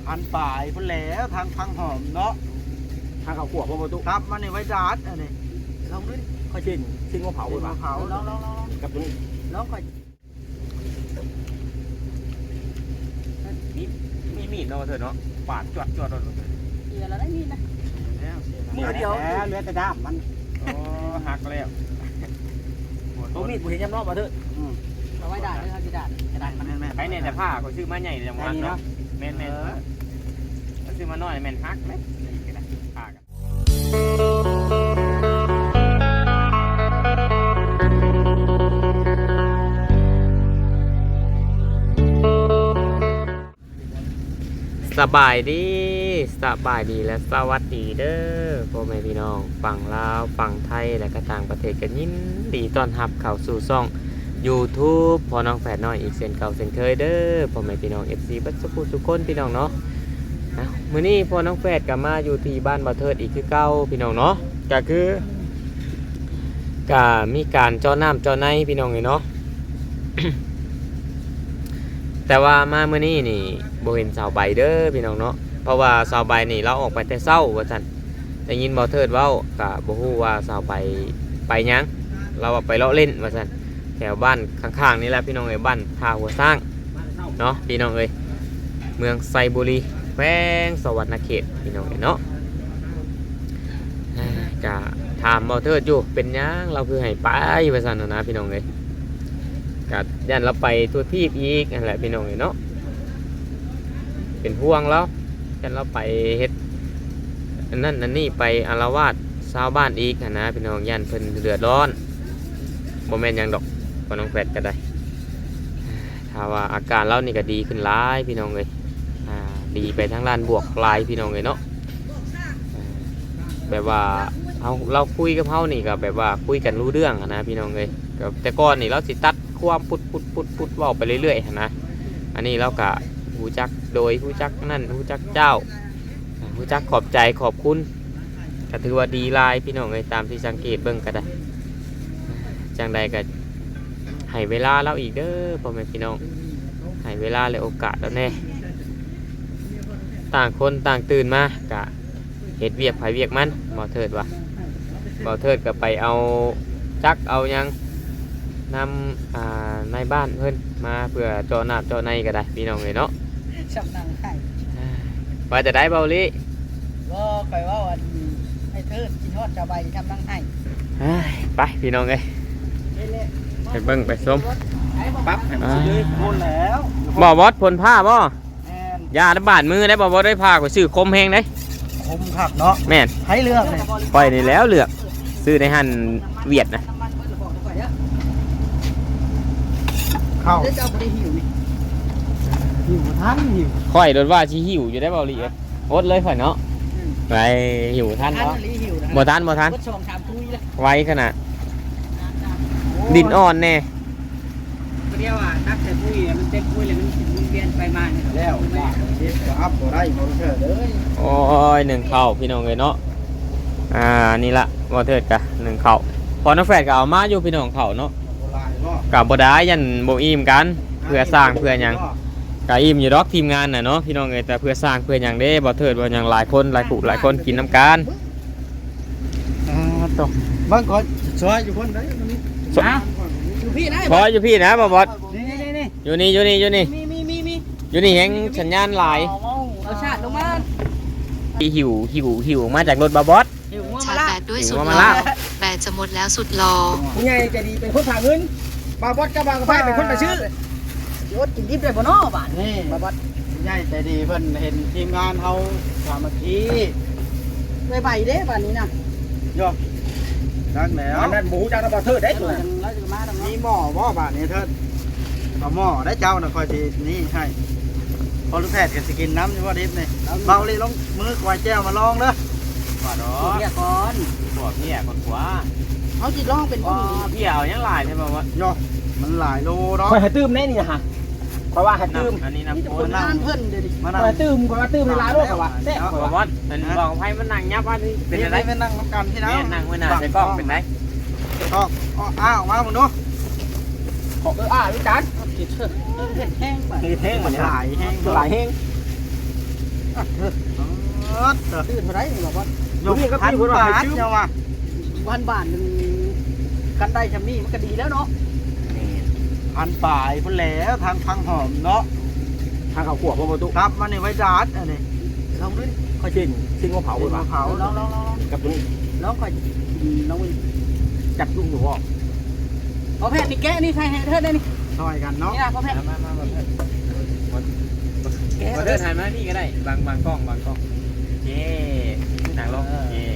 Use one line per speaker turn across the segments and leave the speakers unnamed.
1,000 ปลายพุ่นแล้วทางพังหอมเนาะ
ทางเขาขวบพ่อประตู
ครับมันนี่ไว้ดาดอันนี้ลองดูดิ
ค่อยชิ้นว่าเผาเลยป่ะ
เผาลอง
กับตัวนี้
ลองค่อย
มีมีดเนาะเธอเนาะปาดจวดเสีย
แล้วได้มีนะ
มือเดียวเลือดกระด้ามมันหักแล้วตัวมีดผมเห็นย้ำนอกมาเถอะ
เอาไว้ด่าเลยครับด่ากระดาษมัน
แม่
ไอ้เนี่ยแต่ผ้าเขาซื้อมาใหญ่จังหวะเนาะแม่นซื้อมาน้อยแม่นฮักไหมผ้ากันสบายดีและสวัสดีเด้อพ่อแม่พี่น้องฝั่งลาวฝั่งไทยและก็ต่างประเทศกันยินดีต้อนรับเข้าสู่ช่อง YouTube พ่อน้องแฝดน้อยอีกเช่นเก่าเช่นเคยเด้อพ่อแม่พี่น้อง FC บัดสุขุทุกคนพี่น้องเนาะมื้อนี้พ่อน้องแฝดก็มาอยู่ที่บ้านบ่เทิดอีกคือเก่าพี่น้องเนาะก็คือก็มีการเจาะน้ำเจาะในพี่น้องเนาะ แต่ว่ามาเมื่อนี้นี่บ่เห็นสาวใบเด้อพี่น้องเนาะเพราะว่าสาวใบนี่เราออกไปแต่เช้าว่าซั่นได้ยินบ่เทิดเว้าก็บ่ฮู้ว่าสาวใบไปหยังเราไปเลาะเล่นว่าซั่นแถวบ้านข้างๆนี่แหละพี่น้องเอ้ยบ้านท่าหัวสร้างเนาะพี่น้องเอ้ยเมืองไซบุรีแขวงสวรรณเขตพี่น้องเอ้ยเนาะก็ถามบ่เทิดอยู่เป็นหยังเราคือให้ไปว่าซั่นนะพี่น้องเอ้ยกัดยันเราไปทั่วทีบอีกนั่นแหละพี่น้องเนาะเป็นห่วงแล้วยันเราไปเฮ็ดนั่นนี่ไปอาละวาดชาวบ้านอีกนะพี่น้องยันเพิ่นเดือดร้อนโมเมนต์ยังดอกพอน้องแฟดก็ได้ถ้าว่าอาการเรานี่ก็ดีขึ้นหลายพี่น้องเลยดีไปทั้งด้านบวกหลายพี่น้องเลยเนาะแบบว่าเราคุยกับเขานี่ก็แบบว่าคุยกันรู้เรื่องนะพี่น้องเลยแต่ก่อนนี่เราสิตัดความพุดว่าไปเรื่อยๆนะอันนี้เราก็หูจักโดยหูจักนั่นหูจักเจ้าหูจักขอบใจขอบคุณก็ถือว่าดีลายพี่น้องเลยตามที่สังเกตเบิ่งก็ได้จังใดก็ให้เวลาเราอีกเด้อพ่อแม่พี่น้องให้เวลาและโอกาสแล้วแน่ต่างคนต่างตื่นมากะเฮ็ดเวียกไผเวียกมันบ่เทิดว่ะบ่เทิดก็ไปเอาจักเอายังนำในบ้านเพิ่นมาเพื่อเจาะน้ำเจาะในก็ได้พี่น้องเลยเนาะ
ชับนังให้
ว่าจะได้เบาลิ
ก็คอยว่าวันให้เธอกินทอดชาวใบทำนังให้
ไปพี่น้องเลยไปเบิ่งไปส้มปั๊บ
พ้นแล้ว
บ่วอดผลผ้าบ่ยาระบาดมือได้บ่วอดได้ผ้าก็ซื้อคมแห้งได้
คมขับเนาะ
แม่น
ให้เลือกเลย
ปล่อยนี่แล้วเลือกซื้อในหั่นเวียดนะ
เข้าเจ้าบ่ได้หิวนี่หิวทันหิว
ค่อยโดนว่าสิหิวอยู่ได้เบาลิอดเลยข่อยเนาะไปหิวทันเนาะบ่ทันไวขนาดดินอ่อนแน่
เรียกว่านักแต่ปุ้ยมันเต็มปุ้ยเลยมันเปลี่ยนไปมา
แล้วเฮ็ดก็อัพบ่ได้บ่เถิดเลย
โอ้ยหนึ่งเข่าพี่น้องเลยเนาะนี่ละบ่เถิดกะหนึ่งเข่าพอน้องแฝดก็เอามาอยู่พี่น้องเข่าเนาะกับบ่ได้ยันบ่อิ่มกันเพื่อสร้างเพื่อหยังก็อิ่มอยู่ดอกทีมงานน่ะเนาะพี่น้องเอ้ยแต่เพื่อสร้างเพื่อหยังเด้บ่เถิดบ่หยังหลายคนหลายผู้หลายคนกินน้ำกัน
ต่อบางคนซอยอยู่คนได้
อยู่พี่นะ
พออยู่พี่นะบ่บอส
นี่
อยู่นี่อยู่นี่
มี
อยู่นี่แฮงสัญญาณหลาย
เอาชาติลงมา
หิวมาจากรถบ่บอส
ชาร์จแบตด้วยสุดรอแบตจะหมดแล้วสุดรอ
ผู้ใหญ่ใจดีเป็นคนฝากเงินบาบอสกับบางกระไฟเป็นคนไปชื่อโยดกินดิบได้บ่เนาะบ้าน
นี่
บาบอส
ใหญ่ใจดีเพิ่นเห็นทีมงานเฮาสามัคคี
ใบเด้บ้านนี้นะ
โยจักแล้ว
นั่นหมูจักบ่เทิดได้ตัว
มีหม้อบ่บ้านนี้เทิดเอาหม้อได้เจ้าน่ะคอยสินี่ให้พอลูกแพทย์ก็สิกินน้ำอยู่ว่าดิบนี่เบาเลยลงมือควายแก้วมาลองเด้อ
ว่าดอก
เพี้ยก่อน
พวกเพี้ยคนขวา
เขาสิลองเป็น
เพี้ยเอายังหลายใช่ป่าว
โยมันหลายโลเนาะ
คอยให้ตื้มแน่นี่ฮะเพราะว่าให้ตื้ม
อันนี้น้ำคนนั่งเพิ่นเดี๋ยวดิ
มาตื้มในร้านด้วยว่าแซ่บบ่บอสมันบอกให้มันนั่งยับว่า
เป็นอะไรเป็นนั่งกันที่นั่ง
นั่งไว้หน้าจะกล้องเป็นไร
กล้องออกมามึงดู
พี่จันเห็ดแห้งไป
เห็ดแห้งเหมือน
หลายแห้ง
หลายแห้ง
ซื้อเท่าไหร่นี่บอกว่าย
กพันบาทเจ้าว่ะ
1,000 บาทนึงกันได้ชำนี้มันก็ดีแล้วเนาะ
พันป่ายพุ่นแล้วทางพังหอมเนาะ
ทางเขาขวบบ่ประตู
ครับมันนี่ไว้ดาดอันนี้
ลองดูดิ
ค่อยชิ้นว่าเผา
เอา
เลยป่ะ
เผา
ลอง
กับตัวนี้
ลองค่อยน้องวิน
จับลูกหนูออก
พอแพทย์นี่แกะนี่ใครให้เธอได้นี่
ซอยกันเนาะ
นี่นะพอแพทย์
มา
แกะ
เดินถ่ายมานี่ก็ได้บางกล้องเย่หนังลงเย่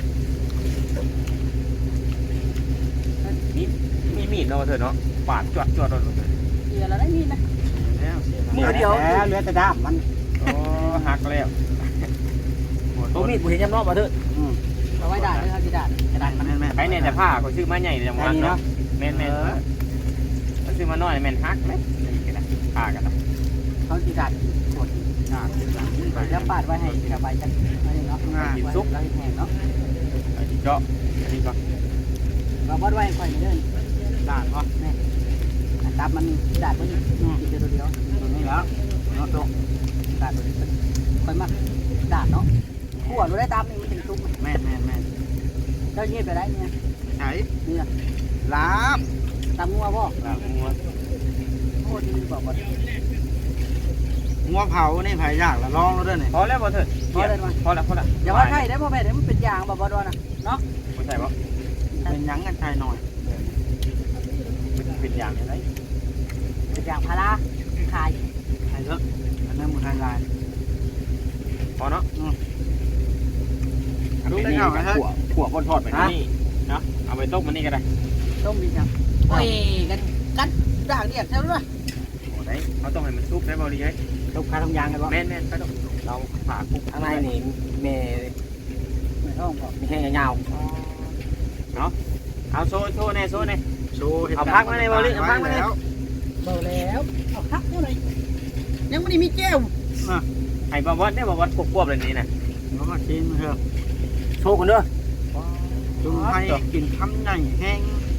นี่มีมีดเนาะเธอเนาะปาดจวดรถ
เสียแล้วได้นี่นะ
แล้วเสีย
มือเดียว
แล้วเหลือแต่ด้ามมัน
โอ้หักแล้ว
ตัวมีดกูเห็นยำนอกมาเถอะ
เอาไว้ด่าเลยครับที่ด่ากระดานมัน
แม่น
ไอ้เนี่ยแต่ผ้าเขาซื้อมาใหญ่เลยจังหวะเนาะแม่นเขาซื้อมาน้อยแม่นฮักไหมนี่กันนะผ้ากันนะ
เขาที่ด่าขดแล้วปาดไว้ให้สบายจังอันนี้เนาะซุกแล้วแห้งเนาะ
ไอ้ที่เจาะอันนี้ก็
เราบดไว้ค่อยเดิน
ดาดวะ
นี่ตับมันด่าตัวนี้กินตัวเดียว
ตรงนี้แล้วเนาะโต
ด่าตัวนี้ค่อยมากด่าเนาะขั่วรู้ได้ตามนี่มันถึงซุก
แม่น
เจ้าเงียบไปได้เนี่ย
ใช้
นี่นะ
ลาบ
ตามงัวบ่
ลาบงัว
โคตรดีบอกบ่
งัวเผานี่ไผยากละลองแล้วเด้อนี่
พอแล้วพอเถิดพอแล้ว
อย่าว่าใช่ได้พ่อแม่เดี๋ยวมันเป็นยางบ่ดอนนะเนาะ
ไม่ใช่ปะ
เป็นหยังกันชายหน่อย
เป็นอย่างไร
เป็นยางพาราขาย
ไทยเถอะอันนั้นมันไทยลาย
พอเนาะ
รู้ได้เก่าไหม
ขวบบนทอดไป
นี่เนาะเอาไปต้มมันนี่ก็ได้
ต้มดีจังโอ้ยกันด่างเดียดเท่านั้น
โอ้ได้เขาต้องให้มันซุกได้บ่ดีเลย
ลูกค้าทำยางกันวะ
แม่นไปต้องเราผ่าคุก
ข้างในนี่เมย์
ไม่ต้องบอก
มีแค่ยาว
เอาโซ่แน่
โชว์
เอาพักมาในบริเอาพักมาใน
แล้ว
เบาแล้วเอาพักเท่าไหร่ยังไม่ได้มีแก้ว
ให้บวชเนี่ยบวชควบเลยนี่นะ
แล้วก็กินเถอะ
โชว์กันเด้อ
จุ่มให้กินคำใหญ่แห้ง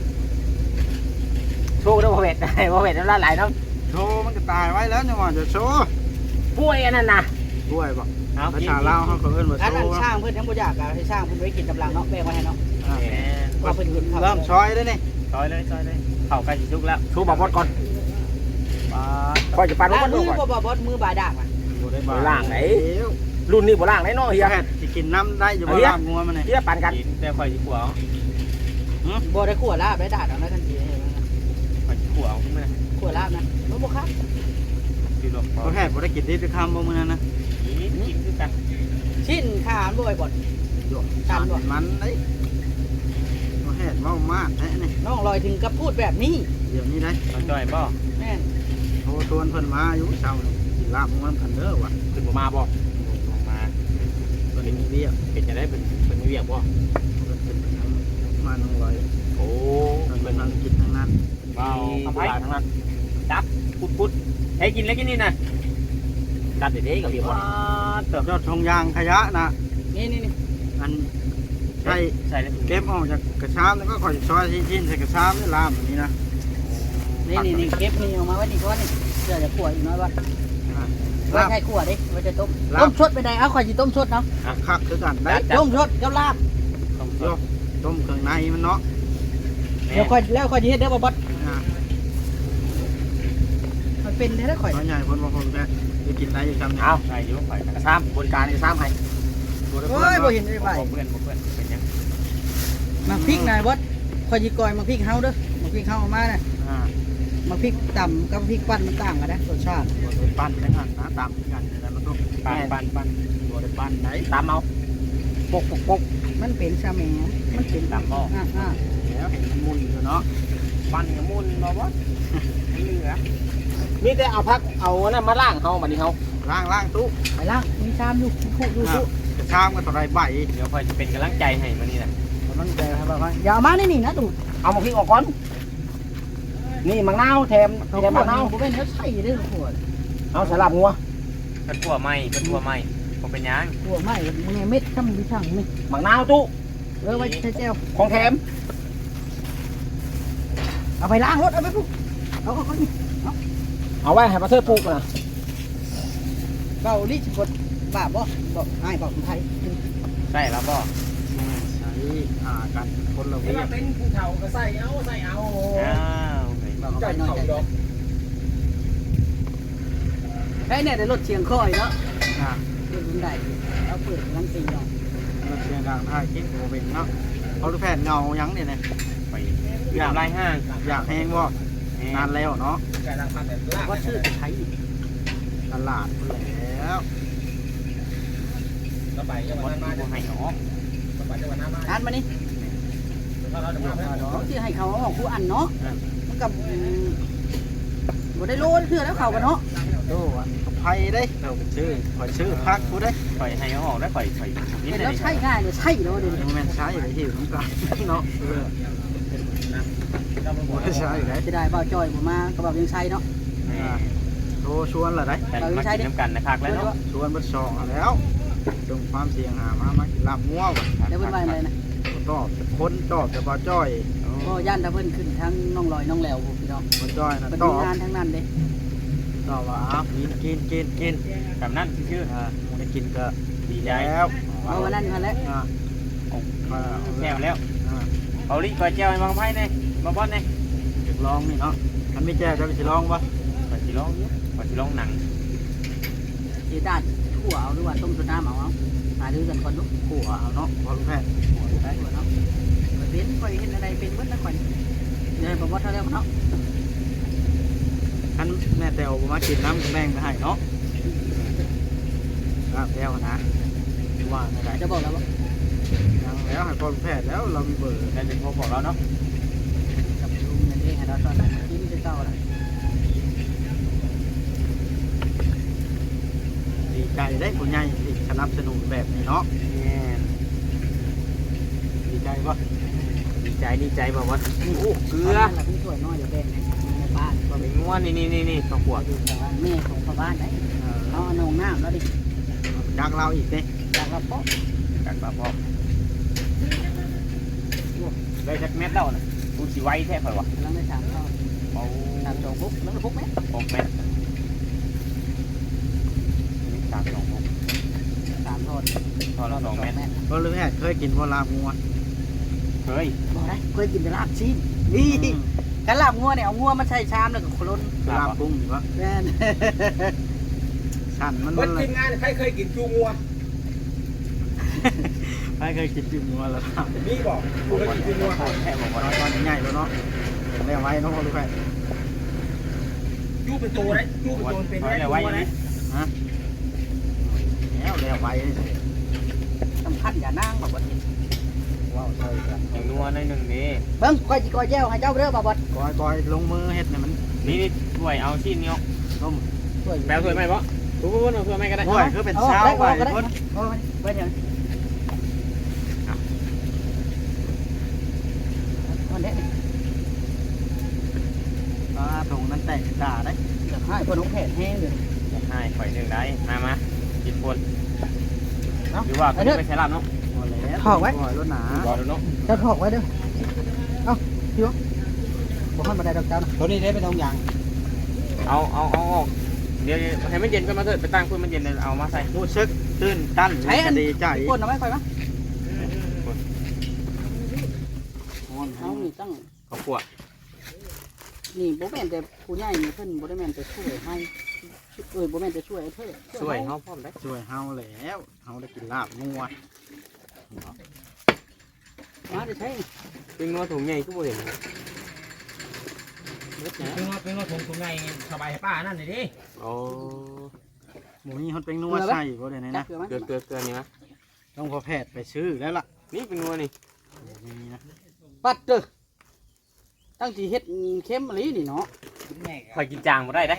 โชว์กันเด้อพ่อเวทพ่อเวทน้ำลายไหลน้
โชว์มันก็ตายไว้แล้วเนี่ยว่าจะโชว์
ำป่วยอันนั้นนะ
ด้วยบอก
เอา
ภาษาลาวเขาก็เอิ้นว่า
อัน
โช
นั้น
ว์
สร้างเพื่อนทั้งบุญอยากให้สร้างเพื่อนไว้กินกำลังเนาะแบ่งไว้ให้เนาะว่าเพื่อนกิน
เริ่มช้อยแล้วนี่
ซอยเลยเข่าใกล้สิซุกแล้ว
โชว์บอกบดก่อน
ปลา
ก่อนจะปั่น
ล้าง
มัน
มื
ดู
อ
ก่อน
บ่มือบาดากอ่ะ
ล่างไหน รุ่นนี้บ่ล่างไหนเนาะเฮีย
แค่จะกินน้ำได้อยู่บ่ลาบงัวมันนี่
เฮียปั่นกัน
กินแต่ข่อยสิขัว
บ่ได้ขั่วลาบได้ดาดเอาได้ทันที
ข่อยสิขัวเอาขึ้นมา
ขั่วลาบนะมันบ่ครับ
คือหลอก
ก็แค่บ่ได้กินที่คำบ่มื้อนั้นนะ
กินคือกัน
ชิ้นขามันบ่อยบ่
จานมันไอ้ก็แค่เมามากแท้นี่
น้องลอยถึงกับพูดแบบนี้
เดี๋ยวนี้ได้
มันจ่อยบ่
แม่น
โทรชวนเพิ่นมาอยู่เช้านี่กินลาบงัวกันเด้อว่ะ
ขึ้นมาบ่
ลงมา
ตัวนี้มีเบี้ย
เป็นจะได้เป็นเวียกบ่
เป็นทั้งมาน้องลอย
โอ้
เป็นทั้งกินทั้งนั้น
เบา
ทำไมทั้งนั้น
พุดให้กินแล้วกินนี่นะ
จัดเด็ดๆกับเรียบ
ว้าเติบยอดทงยางขยะนะ
นี่
อันใช่
ใส่เลย
เก็บออกจากกระชามแล้วก็ค่อยซอยชิ้นๆใส่กระชามนี่ลามแบบนี้นะ
นี่เก็บนี่ออกมาไว้นี่ก่อนนี่เดี๋ยวจะขั่วอีกน้อยว่าไว้
ลาบ
ให้ขั่วดิไว้จะต้ม
ลาบ
ต้มชดไปได้เอาข่อยสิต้มชดเนาะ
คักคือกันได้
ต้มชดกับลาบ
ต้อง
โยกต้มเครื่องในมันเนาะ
เดี๋ยวค่อยแล้วค่อยสิเฮ็ดเด้อบ่บด
อ่า
มันเป็นได้ข่อย
น้อยใหญ่คนบางคนแกจะกินได้อยู่จำเนี่ย
เอา
ใส่ยุ่งไป
กระซ้ำบนการกระซ้ำให้
โอ้ยบ่เห็นได้ไป
เพื่อนเป็นยัง
มาพริกนายบดข่อยสิกอยมาพริกเฮาเด้อมาพริกเฮาเอามาน่ะ
อ่า
มาพริกต่ำกับพริกปั้นมันต่างกันนะรสชาติ
ตัวเป็นปั้นได้กันนะตามกันแต่มันต้อง
ปัน
ตัวเป็นปั้นไหน
ตามเอาปก
มันเป็นชาแหมมันเป็น
ตามบ่
แล้วเห็นมันมุนอยู่เนาะ
ปันกับมุนบ่วะเหลือ
มีแต่เอาพักเอานั่นมาล่างเฮาบัดนี้เฮา
ล่างตู้
ไปล่างมีชามอยู่คู่ดูสู้
กระชามก็ต่อไรใบ
เดี๋ยวค่อยจะเป็นกำลังใจให้มันนี่แหละ
มันใจครับว่า
อย่าเอามานี่นะดู
เอามาพริกออกก่อนนี่มังนาวแถม
เอา
แถม
ขว
มั
ด
งนาว
บ่เป็นเนื้อใส่เด้อขวด
เอาสลับงัว
เป็นทั่วไหมผมเป็นยัง
ขวดไม่มึงไงเม็ดทำดิช่างนี่
มังนาวตู้
ไว้ใช้เจล
ของแถม
เอาไปล้างรถเอาไปปุ๊บเอานี่
เอาไว้ให้มาเทิดปลูกนะ
เกาลีสิบดใบป้าบ่บอกอ้ายบอกคนไทย
ใช่แล้วบ่
ใช้กันคนละเวีย
เป็นผู้เฒ่าก็ใส่เอา
อ้าว
บอกเขาไปหน่อยได้เนี่ยได้รถเชียงคอยเนาะ
อ่าร
ถรุ่นใดเอาเปิดลังตีเนาะ
รถเชียงดังท่าคิดโมเป็นเนาะเขาลูกแพทย์เงายังเนี่ย
ไปอยากไล่ห้าง
อยากแห้งบ่นานแล้วเนาะ
แต่ละพันแต่ละ
ว่าชื่อไทย
ตลาดแล้ว
ระบายจังหวัดมา
บ่ให้ออก
ระบายจังหวัดมา
อ่านมานี่
เราจะมาแล้ว
เขาชื่อให้เขาออกผู้อันเนาะมันกับบ่ได้โลเชื่อแล้วเขากันเนาะ
โอ้อันไผ่ได้เราชื่อข่อยชื่อพักกูได้
ปล่อยให้ออกได้ปล่อยนิด
เห็น
เดีย
แล้ว วใช่ง่ายเลยใช่เนาะเดี๋ยวนี้
แม่นใช้ไปหิวน้ำกันเนาะไม่ใช่ไหน
จะได้บ่าวจอยบ่มาก็บ่าวยังใช้เนาะ
โทรชวนเหรอได้
แต่มากินน้ำกันนะครับแล้วเนาะ
ชวนเบัดสองแล้วจงความเสียงหามากินลาบงัวว่ะ
เดี๋ยวเพิ่นว่าอะไรนะ
ตอบคนตอบแต่บ่จ้อย
ก็ย่านถ้าเพิ่นขึ้นทั้งน้องลอยน้องแหลวพวกพี่น้อง
บ่จ้อยนะ
เป็น
ตอบ
งานทั้งนั้นเด้
ตอบว่ากิน
กับนั่นชื่อ
ได้กินก็
ดีใจ
แล้ว
เอาวันนั้นมาแล้ว
แก้วแล้วเอาลิก่อยแก้วให้บางไพ่เนี่ยมาบอสเนี่ย
ลองนี่เนาะมันไม่แจ้จะไปสิลองปะ
ก่อนสิร้องก่อนสิร้องหนัง
สิด้านทั่วเอาหรือว่าต้มสุดน้ำเอาหาดูกันก่อนลูก
ขัวเอาเนาะพอลูกแพทย์
ได้ทั่วเนาะเป็นค่อยเห็นอะไรเป็นเบิดแล้วค่อยเดี๋ยวบ่บ่เท่าแล้วเนาะ
ท่านแม่แตวมากินน้ำกับแมงไปให้เนาะครับแตวนะว่าไม่ได้
จะบอกแล้วว่า
ยังแล้วให้พอลูกแพทย์แล้วเรามีเบอร์
ได้เป็นพวกของเราเนาะ
กับลุงนั่นเองให้เราตอนนั้นกินจะเจ้าละ
ดีใจได้ผู้ใหญ่ที่สนับสนุนแบบนี้เนาะดีใจปะ
ดีใจบอกว่าโอ้เกลือ
เราพี่ช่วยน้อยเดี๋ยวแบ่งให้ในบ้านก็
เป็
เป็น น
ง้วนนี่ข้าวขวด
อยู่แต่ว่าแม่ของพ่อบ้านได้เอานองน้ำแล้วดิ
จากเราอีกเนี่ย
จากเราป๊อก
จากปลาพอกได้จักเม็ดแล้วนะกูสิไว้แท้ค่อยวะ
แล้วไม่ถามเขา
เอา
ถามสองปุ๊บแล้วก็ปุ๊บไหม
6 เม็ดนี่3 2 6
สามทอด
พอละ2 เม็ด
พอลูกแพทย์เคยกินพอลาบงัว
เฮ้ย
บอกได้เคยกินแต่ลาบชิ้นนี่กันลาบงัวเนี่ยเอางัวมาใส่ชามแล้วก็โคลน
ลาบกุ้งอยู่ปะ
แม่น
สั่นมัน
เมื่อ
เลย
ทีมงานใครเคยกินจูงัว
ไม่เคยกินจิ้มงัวแล้วครับ
นี่บอกกูเคยกินจูงัว
แท้บอกว่า
ตอนใหญ่แล้วเนาะเรียกไว้เนาะพอลูกแพทย์
จูเป็นตัวได้จูเป็นตัวเป็นได้จู
ไว้
งัวได้
ฮะแล้วเรียกไว้
สำคัญอย่านั่งบอกว่า
ว้าวใช่ครับ
อย่างนัวในหนึ่งนี่
เบิ้งก้อยจีก้อยแจ้วให้เจ้าเด้อบ่บด
ก้อยลงมือเฮ็ดเนี่ยมัน
นี่ถ้วยเอาชิ้นนี้
ต้ม
ช่วย
แปลถ้วยไหมบ่ทุกคนเอาถ้วยไหมก็ได้
ก้อยคือเป็นเช้าไป
ก็ได้
พุ่น
โอ้ยไว้เดี๋ยววันนี้
ตรงนั้นแตกด่าได้
จะให้คนของแผนแห้งเลย
ให้ข่อยหนึ่งได้มากินคนหรือว่าไม่ใช่ลาบเนาะ
พอแล้วก้อยรถหนา
บอกดูเนาะ
จะถอกไว้เด้อเอ้าพี่วะบอกให้มาได้ดอกเจ้านะ
ตัวนี้ได้เป็นทองอย่าง
เอาเดี๋ยวให้มันเย็นก็มาเถิดไปตั้งเพื่อมันเย็นเลยเอามาใส่
รู้สึกตื่นตันดีใจ
ก้นเอาไว้ค่อยมั้ยเขานี่ตั้ง
ข้าวขวด
นี่โบแมนแต่ผู้ใหญ่นี่เพิ่นโบได้แมนจะช่วยให้โบแมนจะช่วยเธอ
ช่วยเขาพร้อมได้
ช่วยเฮาแล้วเฮาได้กินลาบงัว
มาจะใช้
เป็นงัวถุงใหญ่ก็บ่เห็น
เป็นว่าผมไงสบายป้านั่นเลยดิ
โอ้
หมูนี่เขาเป็นนัวใส่บ่ได้ไหน
จั
นะ
บเกลือไหม
เกลือนี่มั้ย
ต้องพอแพทย์ไปซื้อแล้วล่ะ
นี่เป็นงัวนี่
นี่นะ
ปัดเด้อตั้งที่เฮ็ดเข้มมะลินี่เนาะ
ข่อยกินจางบ่ได้ได้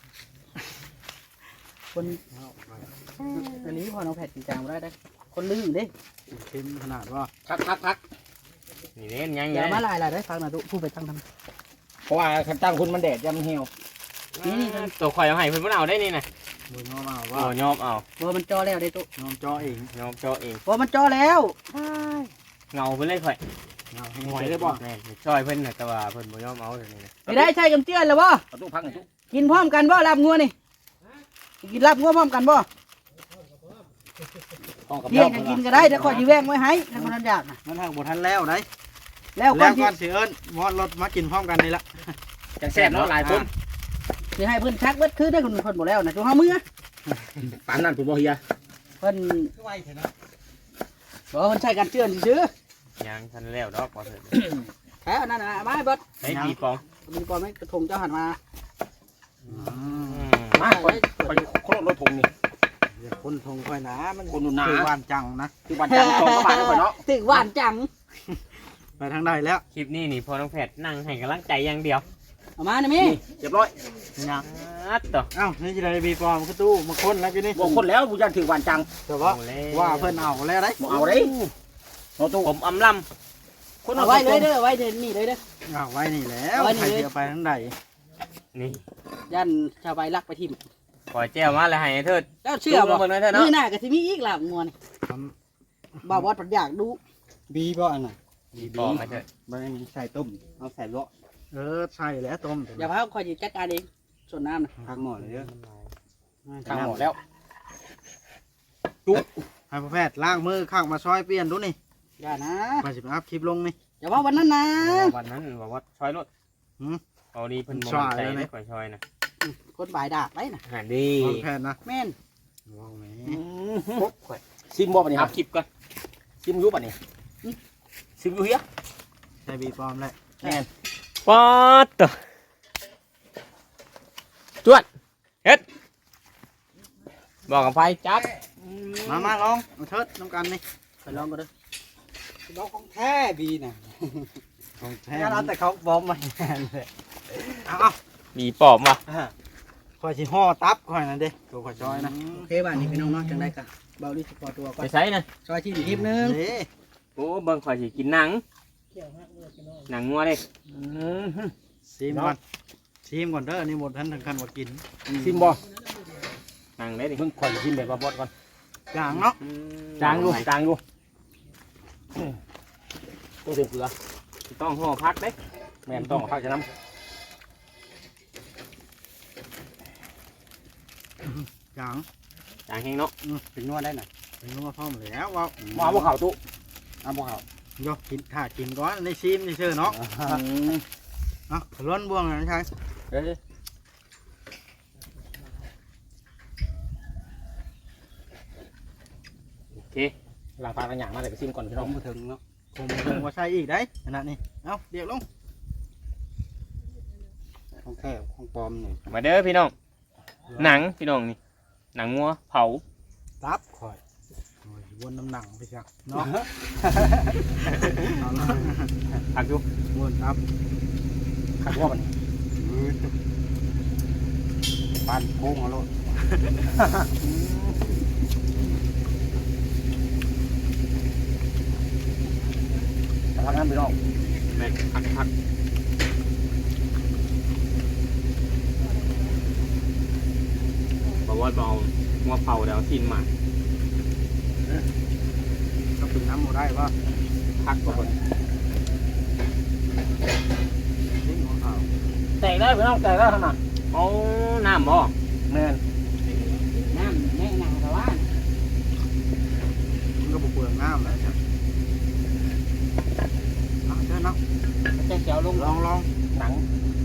คนอันนี้พอน้องแผดจริงจังบ่ได้คนลืมเด้
เค็มขนาดว่า
พัก
นี่เล่นยัง
อย่ามาลายได้ฟังนะทุผู้ไปตั้งท
เพราะว่าคันตั้งคุณมันแดดยำเหี่ยว
ตัวข่อยเอาให้เพิ่นเอาได้นี่นะ
บ่ยอมเอา
โอ้
ว่าย
อมเอา
ำบ่มันจอแล้วได้ตุ
ยอมจ่อเอง
ยอมเจาะเอง
บ่มันจอแล้ว
เงาเพิ่นเลยข่อย
เอาให้
หอยเลยบ่
แม่ช่วยเพิ่นน่ะแต่ว่าเพิ่นบ่ยอมเอาเดี๋ยวนี้นะ
ไม่ได้ใช่กำเจือนแล้วบ่
ประตูพังหน่อยทุก
กินพร้อมกันบ่ลาบงัวนี่กินลาบงัวพร้อมกันบ่เที่ยงจะกินก็ได้เดี๋ยวขอจีแวงไว้ให้ถ้าคนทันอยากนะ
มันทางบ่ทันแล้วได้
แล้วก่
แล้
อน
ว
ที่
ก่อนสิเอิ้นมอดรถมากินพร้อมกันนี่ละ
จังแซ่บเนาะหลายคน
สิให้เพิ่นชักเบิดคือได้คนบ่แล้วนะจุเฮามือ
ปานนั้นผมบ่เฮีย
เพิ่น
คือไวเถอะนะ
บอกว่าเพิ่นใช้การเจือนซื่อ
ยังทันแล้วดอกบ่เถิด
แค่อันนั้นน่ะมาให้เบิด
ให้ปีปอง
มีก่อนไหมกระทงเจ้าหันมา
มาไปคนรถถุงนี่
อย่าคนทงค่อยนะมัน
คนดูหนา
คือบ้านจังนะ
คือวันจันทร์2บาทเนาะ
ถึงหวานจัง
ไปทางใดแล้ว
คลิปนี้นี่พอน้องแพทย์นั่งให้กำลังใจอย่างเดียว
เอามานะมี่
เรียบร้อย
ยัง
ต่อ
เอ้านี่จะได้บีปอมกระตู้มาค้นแล้วกินนี่
บ่คนแล้วผู้จันถือวันจัง
แต่ว่าว่าเพิ่นเอาแล้วได้
บ่เอาเด้เนาะตู้
ผมอำล
คน
เอาไว้เลยเด้อไว้เดี๋ยวนี่เลยเด้อ
เอาไว้นี่แล้ว
เอาไว้นี่
ใคร
เลย
เสียไปทางใด
ำนี่
ยันชาวใบลักไปทิ่ม
ปล่อยแจ้วมาแล้วให้เถิด
เจ้าเชื่อบ่
เบิ่งเลยเถิดเนาะ
มื้อหน้าก็สิมีอีกล่ะงวนบ่าวบอสปัดอยากดู
บีบ่อันน่ะ
ปีปองให้เถิด
บ่ได้ใส่ต้มเอาใส่เลาะใส่แล้วต้ม
อย่าพาคอยสิจัดการเองส่วนน้ำนะ
พักหม้อเลยเด้อ
ทางหมดแล้ว
ให้พ่อแพทย์ล้างมือข้างมาซอยเปลี่ยนดูนี่
อย่านะ
มาสิไปอัพคลิปลงนี่
อย่าว่าวันนั้นนะ
วันนั้นบอกว่าชอยรถ
หืม
เอาดีเพิ่นบ่
ชอย
ใจ
เลย
ได้
นะ
ก่อยชอยนะ
คนบ่ายดากไว้นะ
หาดี
พ่อแพทย์นะ
แม่น
ว้าวแหม
ซิมบ่บัดนี้ค
อั
รั
พ
บ
คลิปก่อน
ซิมอยู่บัดนี้ซิมอยู่เฮีย
ใส่บีปอมแล้ว
แม่น
ป๊อดตัวจวดเฮ็ดบอกกับไฟจับ
มาลองมาเทิดน้ำกันนี่
ไปลองก็ได้อ
น้องของแท้บีน่ะของแท้แล้วแต่เขาบอมมาเลยเอา
มีปอบมา
คอยสิห่อตับคอยนั่นเด้ตัวคอยจอยนะ
โอเคบ้านนี้พี่น้องเนาะจังได้กะเบาลิสปอร์ตัวก่อ
ไป
น
ใช้นะ
ซอยที่อีกคลิปนึง
เด้
โอ้เบิ่งข่อยสิกินหนังหนังงัวเด้
ซิมก่อนซิมก่อนเด้อนี่หมดทันถึงขั้นว่ากิน
ซิมบ่
หนังเด้ดิ
เพิ่งข่อยซิมแบบว่าบดก่อน
จางเนาะ
จางดูจางดูต้องเสียเกลือ
ต้องห่อพักเด้
แม่นต้องพักจะน้
จาง
จางแห้งเนาะ
ถึงนวดได้หน่อยถึงนวดพร้อมแล้วว่า
ำมาเอาบ่เข่าตู้เอาบ่เข่า
โยกินถ้ากินก่อนในซิมนี่เชื่อเนาะเนาะล้วนบ่วงนะใช่
เอ้ย
โอเค
หลังปลากันอย่างมาแต่ก็ซิมก่อนพี่
ผ
น้อง
มมาถึงเนาะผมมาถึงว่าใช่อีกได้ขนาดนี้เอาเดี๋ยวลงของแท้ของปลอมนี่
มาเด้อพี่น้องหนังพี่น้องนี่หนังงัวเผา
ตับคอยโอ้ยวนน้ำหนังไปจักเนาะ
ผักอยู่
วนตับ
ขัดว่ามัน
ปานโค้งเอาโลด
แต่พักนั้นพี่น้อง
แม่นผักบอกว่าเบางัวเผาเดี๋ยวกินมา
ก็เป็นน้ำหมูได้ป่ะ
พักก่อน
นี่หัวขาว
แตกได้พี่น้องแตกได้ขนาด
เอาน้ำบ่
แม่น
น้ำแม่งหนาแต่ว่า
มันก็บุกเปลืองน้ำแล้วจ้ะเอาเชิญเนาะ
จะเจียวลง
ลอง
หนัง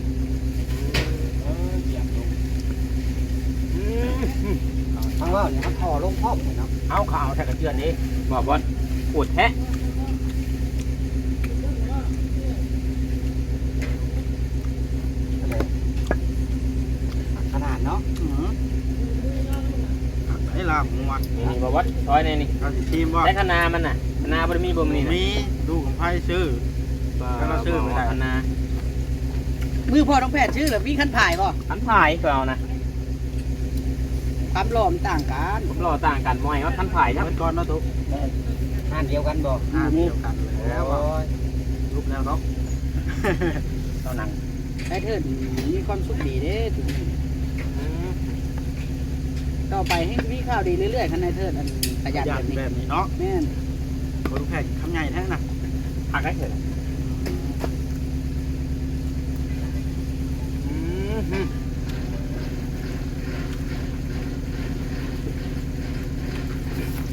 เหยียบลง
ทั้งว่าเนี่ยเขาถอลงพร้อมเลยเนาะ
เอาข่าวใส่กระเทียมนี้
บอกว่าปวดแท้
ขนาดเนาะ
ไอ้ลาบงัว
นี่บอกว่าซอยในนี่
เราสิทีมว่า
ได้คณามันน่ะคณาบ่ได้มีบ่มันนี่นะ
มีดูของไพ่ซื้อ แล้วเราซื้อไม่ได้
คณา
มือพ่อต้องแพทย์ชื่อหรือวิ่งขั้นผ่ายป่ะ
ขันผายก็เอานะ
ความหล่อมต่างกัน
ผมรอต่างกันบ่อยว่าขันผายครับ
เป็นก้อนเนาะตุ๊ก
งานเดียวกันบ่
เดียวกันแล้วว่ารูปแล้วเนาะ
เอาหนัง
ไอ้เถิดมีความสุขดีเด้ถึงต่อไปให้มีข่าวดีเรื่อยๆคันไอ้เถิดอันขยัน
ยั
แบบนี้
แบบนี้เนาะ
แม่น
คนแขกคำใหญ่แท้น่ะ
ผักได้เถอะ
เ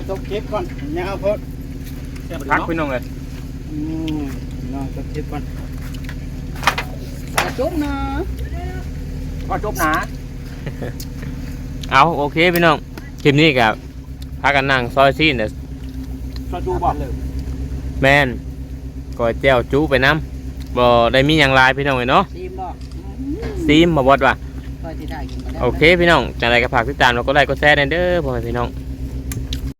จบคลิปก่อนอย่าเอาพด
พักพี่น้องเลย
น้องจบคลิปก่อน
จุ๊บนะก็จุ๊บนะ
เอาโอเคพี่น้องคลิปนี้กับพากันนั่งซอยซีนเด้อ
ชอบดูบอกเลย
แม่นก้อยแจ่วจูไปน้ำบ่ได้มีอย่างไรพี่น้องเลยเนาะ
ซีมบ่
ซีมมาบดว่ะ
ค่อยที่ได้กินมาได้
โอเคพี่น้องจังไรก็ฝากติดตามแล้วก็ไลค์ก็แชร์เด้อพ่อแม่พี่น้อง